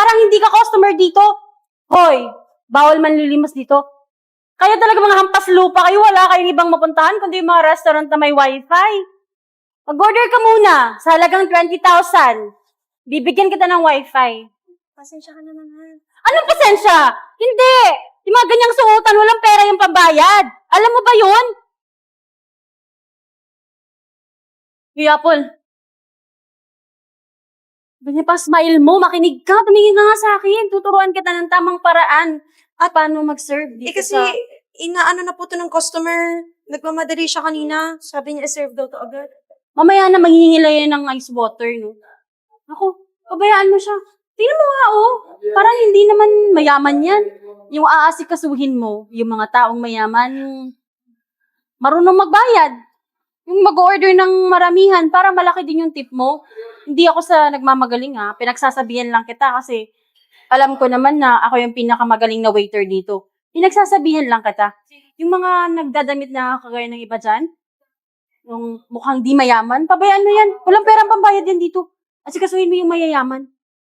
parang hindi ka customer dito. Hoy, bawal manlilimas dito. Kaya talaga mga hampas lupa kayo, wala kayong ibang mapuntahan kundi yung mga restaurant na may wifi. Mag-order ka muna sa halagang 20,000. Bibigyan kita ng wifi. Pasensya ka na naman. Anong pasensya? Hindi! Yung mga ganyang suotan, walang pera yung pambayad. Alam mo ba yun? Hey, Apple. Ganyan pa, smile mo, makinig ka, tumingin ka nga sa akin. Tuturuan kita ng tamang paraan at paano mag-serve dito Kasi, sa... inaano na po to ng customer. Nagmamadali siya kanina. Sabi niya, serve daw to agad. Mamaya na manghihilayan ng ice water, no? Ako, pabayaan mo siya. Tingnan mo nga, oh. Parang hindi naman mayaman yan. Yung aasikasuhin mo, yung mga taong mayaman, marunong magbayad. Yung mag-order ng maramihan para malaki din yung tip mo. Hindi ako sa nagmamagaling, ha. Pinagsasabihan lang kita kasi alam ko naman na ako yung pinakamagaling na waiter dito. Pinagsasabihan lang kita. Yung mga nagdadamit na kagaya ng iba dyan, yung mukhang di mayaman, pabayaan mo yan. Walang perang pambayad yan dito. Asikasuhin mo yung mayayaman.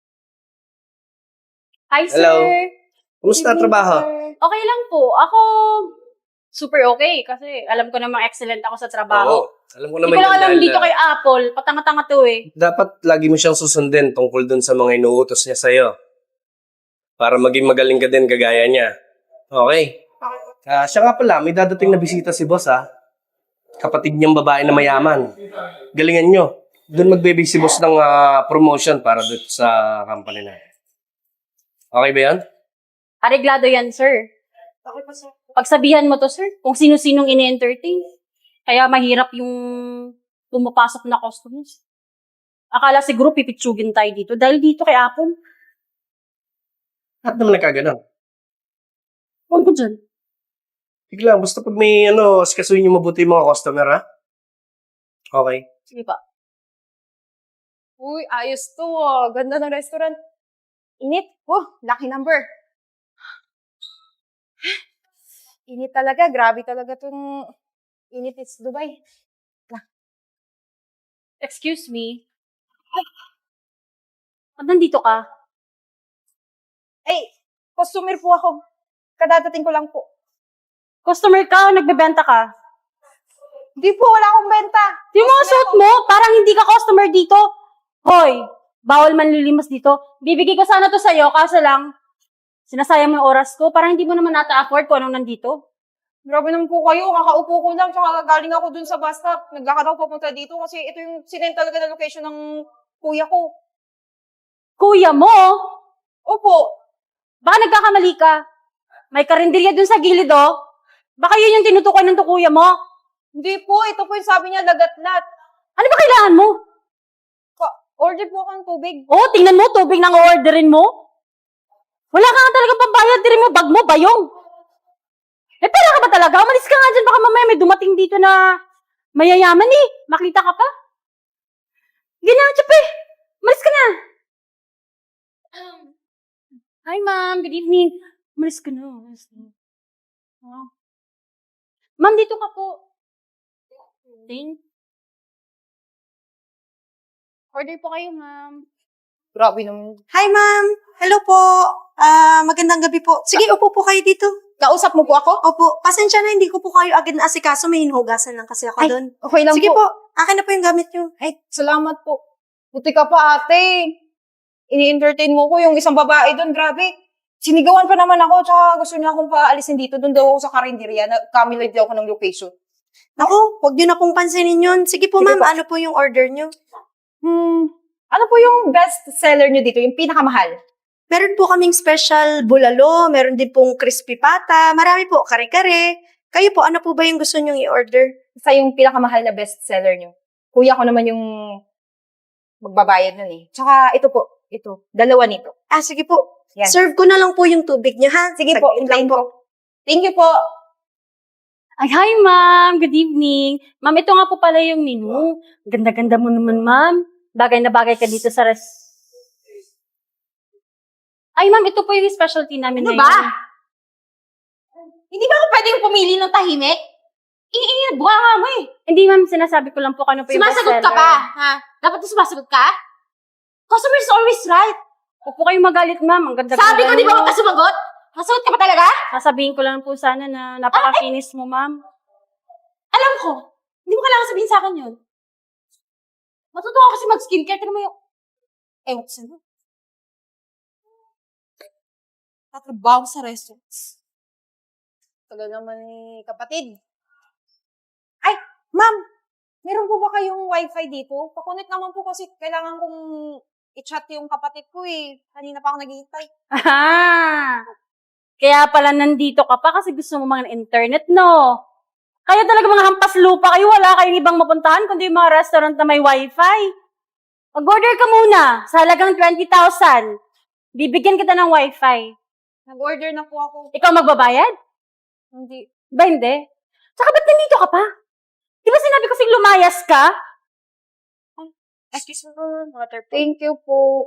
Hi, sir. Hello. Kumusta Good evening, trabaho? sir. Okay lang po. Ako, super okay kasi alam ko namang excellent ako sa trabaho. Oo. Alam ko Hindi naman ko lang yan alam dahil, dito kay Apple. Patanga-tanga to eh. dapat lagi mo siyang susundin tungkol dun sa mga inuutos niya sa'yo. Para maging magaling ka din kagaya niya. Okay. Siya nga pala, may dadating na bisita si boss Kapatid niyang babae na mayaman. Galingan nyo. Doon magbibig si boss ng promotion para dito sa company na. Okay ba yan? Areglado yan, sir. Okay pa, sir. Pagsabihan mo to, sir, kung sino-sinong ini-entertain. Kaya mahirap yung pumapasok na customers. Akala siguro pipitsugin tayo dito dahil dito kay Apple. Lahat naman nagkaganon. Huwag ko dyan. Bigla, basta pag may asikasuhin niyo mabuti yung mga customer, ha? Okay. Sige pa. Uy, ayos to. Ganda ng restaurant. Init. Oh, lucky number. Init talaga. Grabe talaga tong init is Dubai. Excuse me. Ba't nandito ka? Ay, customer po ako. Kadadating ko lang po. Customer ka o nagbebenta ka? Hindi po, wala akong benta. Yung mga suot mo, parang hindi ka customer dito. Hoy, bawal manlilimas dito. Bibigay ko sana to sa'yo, kaso lang, sinasayang mo yung oras ko. Parang hindi mo naman nata-afford kung anong nandito. Grabe naman po kayo. Kakaupo ko lang. Tsaka galing ako dun sa bus stop. Naglakad ako papunta dito kasi ito yung sinend talaga na location ng kuya ko. Kuya mo, Opo. baka nagkakamali ka. May karinderya dun sa gilid, oh. Baka yun yung tinutukoy ng tukuya mo. Hindi po. Ito po yung sabi niya, lagat-lat. Ano ba kailangan mo? Order po ako ng tubig. Oh, tingnan mo, tubig nang orderin mo. Wala ka nga talaga pambayad, din mo, bag mo, bayong. Eh, pera ka ba talaga? Umalis ka nga dyan, baka mamaya may dumating dito na mayayaman eh. Makita ka pa. Ganyan, tsape. Umalis ka na. Hi, ma'am. Good evening. Umalis ka na. Umalis ka na. Oh. Ma'am, dito ka po. Order po kayo, ma'am. Grabe naman. Hi, ma'am. Hello po. Magandang gabi po. Sige, upo po kayo dito. Kausap mo po ako? Opo. Pasensya na, hindi ko po kayo agad na asikaso. May hinuhugasan lang kasi ako Ay, doon. okay lang Sige po. po. Akin na po yung gamit nyo. Ay, salamat po. Buti ka pa, ate. Ini-entertain mo ko yung isang babae doon. Grabe. Sinigawan pa naman ako, tsaka gusto niya akong paalisin dito. Doon daw ako sa karinderya. Kamilad daw ako ng location. Naku, huwag nyo na pong pansinin yun. Sige po, Sige ma'am. po. Ano po yung order nyo? Ano po yung best seller niyo dito? Yung pinakamahal? Meron po kaming special bulalo. Meron din pong crispy pata. Marami po, kare-kare. Kayo po, ano po ba yung gusto nyong i-order? Sa yung pinakamahal na best seller niyo. Kuya ko naman yung magbabayad nun eh. Tsaka ito po. Ito. Dalawa nito. Ah, sige po. Yan. Serve ko na lang po yung tubig nyo, ha? Sige po. Saglit lang Hintayin po. Thank you po. Ay, hi, ma'am. Good evening. Ma'am, ito nga po pala yung menu. Ganda-ganda mo naman, ma'am. Bagay na bagay ka dito sa Ay, ma'am, ito po yung specialty namin Ano ngayon. ba? Hindi ba ako pwedeng pumili ng tahimik? Iingit, buka nga mo eh. Hindi, ma'am, sinasabi ko lang po kano po yung Sumasagot ka bestseller. pa, ha? Dapat sumasagot ka? Customer is always right. Huwag po kayong magalit, ma'am. Ang ganda Sabi ko, di ba huwag ka sumagot? Masuot ka pa talaga? Sasabihin ko lang po sana na napakakinis mo, ma'am. Alam ko. Hindi mo kailangan sabihin sa akin yun. Matuto ako kasi mag-skincare. Tignan mo yung... Ewan ko sa'yo. Tatrabaho sa restaurants. Tagal naman ni kapatid. Ay, ma'am! Meron po ba kayong wifi dito? Pakunit naman po kasi kailangan kong i-chat yung kapatid ko eh. Kanina pa ako naghihintay. Aha! Kaya pala nandito ka pa kasi gusto mo mga internet, no? Kaya talaga mga hampas lupa kayo, wala kayong ibang mapuntahan kundi yung mga restaurant na may wifi. Mag-order ka muna sa halagang 20,000. Bibigyan kita ng wifi. Nag-order na po ako. Ikaw magbabayad? Hindi. Ba hindi? Tsaka ba't nandito ka pa? Di ba sinabi ko sing lumayas ka? Excuse me, water po. Thank you po.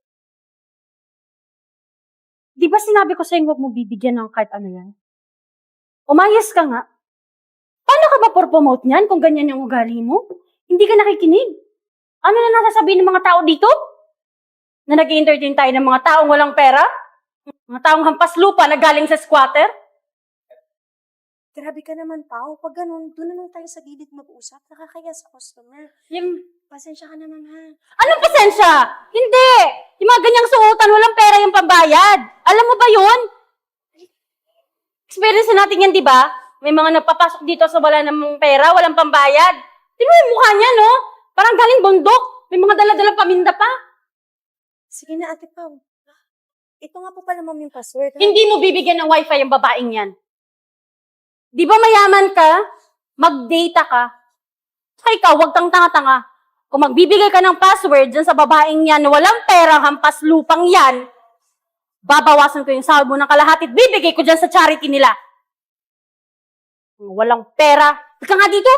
Di ba sinabi ko sa'yo huwag mo bibigyan ng kahit ano yan? Umayas ka nga. Paano ka ba promote niyan kung ganyan yung ugali mo? Hindi ka nakikinig. Ano na nasasabihin ng mga tao dito? Na nag-entertain tayo ng mga taong walang pera? Mga taong hampas lupa na galing sa squatter? Grabe ka naman, Pao. Pag ganun, doon naman tayo sa gilid mag-usap. Nakakaya sa customer. Yung, Pasensya ka naman, ha? anong pasensya? Hindi! Yung mga ganyang suotan, walang pera yung pambayad. Alam mo ba yun? Experience na natin yan, di ba? May mga nagpapasok dito sa wala namang pera, walang pambayad. Tingnan mo yung mukha niya, no? Parang galing bundok. May mga dala-dalang paminda pa. Sige na, Ate Pao. Ito nga po pala, ma'am, yung password. Ha? Hindi mo bibigyan ng wifi yung babaeng yan. Di ba mayaman ka? Mag-data ka. Saka ikaw, huwag kang tanga-tanga. Kung magbibigay ka ng password dyan sa babaeng yan na walang pera, hampas lupang yan, babawasan ko yung sahod mo ng kalahati at bibigay ko dyan sa charity nila. Walang pera. Ika nga dito.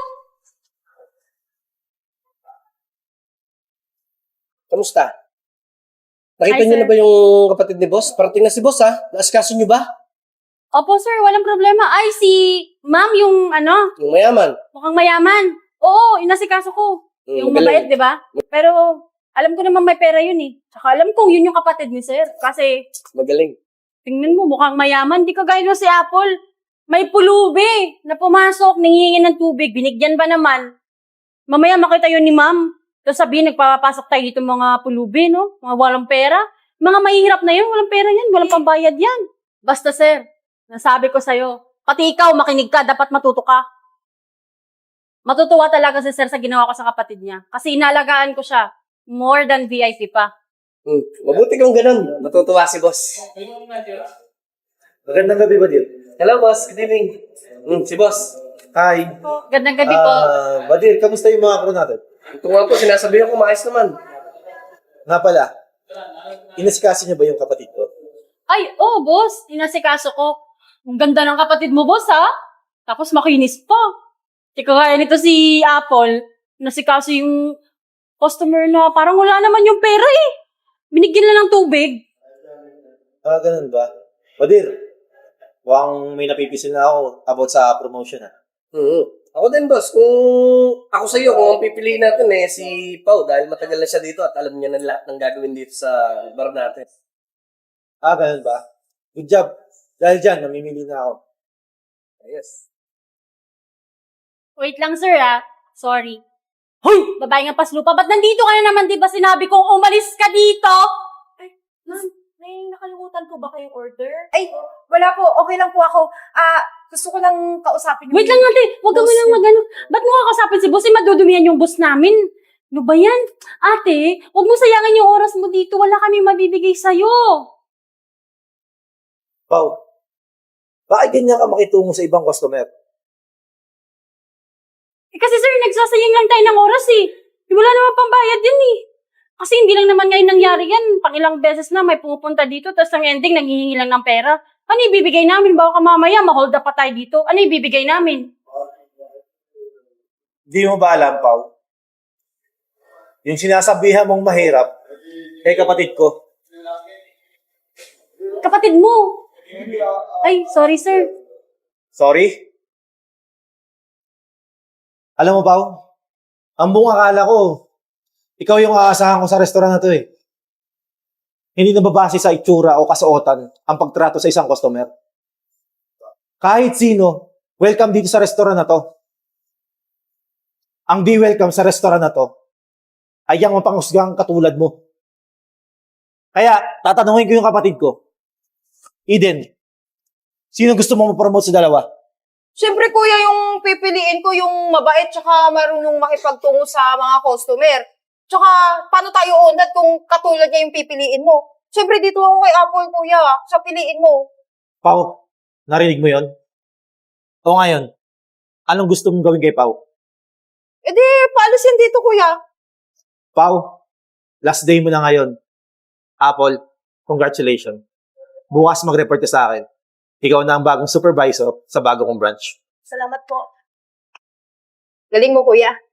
Kamusta? Nakita Hi, niyo sir. na ba yung kapatid ni boss? Parating na si boss, ha? Naaskaso niyo ba? Opo, sir, walang problema. Ay, si ma'am yung Yung mayaman. mukhang mayaman. Oo, inasikaso ko. Yung mabait, Magaling. di ba? Pero, alam ko naman may pera yun eh. Tsaka alam kong yun yung kapatid ni sir. Kasi, Magaling. tingnan mo, mukhang mayaman. Di ka gaya si Apple. May pulubi na pumasok, nangihingi ng tubig. Binigyan ba naman? Mamaya makita yun ni ma'am. Tapos sabihin, nagpapasok tayo dito mga pulubi, no? Mga walang pera. Mga mahihirap na yun, walang pera yan. Walang pambayad yan. Basta sir, nasabi ko sa'yo, pati ikaw, makinig ka, dapat matuto ka. Matutuwa talaga si sir sa ginawa ko sa kapatid niya. Kasi inalagaan ko siya. More than VIP pa. Mabuti kung ganun. Natutuwa si boss. Magandang gabi, Badir. Hello, boss. Good evening. Si boss. Hi. Gandang gabi po. Badir, kamusta yung mga crew natin? Ito nga po, sinasabihan ko, maayos naman. Nga pala, inasikasi niya ba yung kapatid ko? Ay, oh, boss. Inasikaso ko. Ang ganda ng kapatid mo, boss, ha? Tapos makinis pa. Tika kaya nito si Apple, nasikaso yung customer na parang wala naman yung pera eh. Binigyan lang ng tubig. Ganun ba? Badir, mukhang may napipisil na ako about sa promotion, ha? Ako din, boss. Kung ako sa iyo, kung ang pipiliin natin si Pao dahil matagal na siya dito at alam niya na lahat ng gagawin dito sa bar natin. Ganun ba? Good job. Dahil dyan, namimili na ako. Ayos. Wait lang, sir, ha? Sorry. Hoy! Babae nga paslupa, ba't nandito ka na naman? Di ba sinabi kong umalis ka dito? Ma'am, may nakalimutan po ba kayong order? Ay, wala po. Okay lang po ako. Gusto ko lang kausapin yung... Wait lang, ate. Huwag ka boss. munang magano. Ba't mo kakasapin si boss? Madudumihan yung boss namin. Ano ba yan? Ate, huwag mo sayangin yung oras mo dito. Wala kami mabibigay sa'yo. Pao, bakit ganyan ka makitungo sa ibang customer? Kasi sir, nagsasayang lang tayo ng oras eh. Wala naman pambayad yan eh. Kasi hindi lang naman ngayon nangyari yan. Pang ilang beses na may pupunta dito, tapos ang ending, nanghihingi lang ng pera. Ano ibibigay namin? Baka mamaya, ma-hold up pa tayo dito. Ano ibibigay namin? Hindi mo ba alam, Pao? Yung sinasabihan mong mahirap, kay kapatid ko. Kapatid mo. Ay, sorry sir. Sorry? Alam mo, Pao? Ang buong akala ko, ikaw yung aasahan ko sa restaurant na to eh. hindi nababase sa itsura o kasuotan ang pagtrato sa isang customer. Kahit sino, welcome dito sa restaurant na to. Ang di welcome sa restaurant na to ay ang mapanghusgang katulad mo. Kaya, tatanungin ko yung kapatid ko. Eden, sino gusto mo ma-promote sa dalawa? Siyempre, kuya, yung pipiliin ko yung mabait tsaka marunong makipagtungo sa mga customer. Tsaka, paano tayo unad kung katulad niya yung pipiliin mo? Siyempre, dito ako kay Apple, kuya. Sa piliin mo. Pao, narinig mo yon? O ngayon, anong gusto mong gawin kay Pao? E di, paalisin dito, kuya. Pao, last day mo na ngayon. Apple, congratulations. Bukas mag-report ka sa akin. Ikaw na ang bagong supervisor sa bago kong branch. Salamat po. Galing mo, kuya.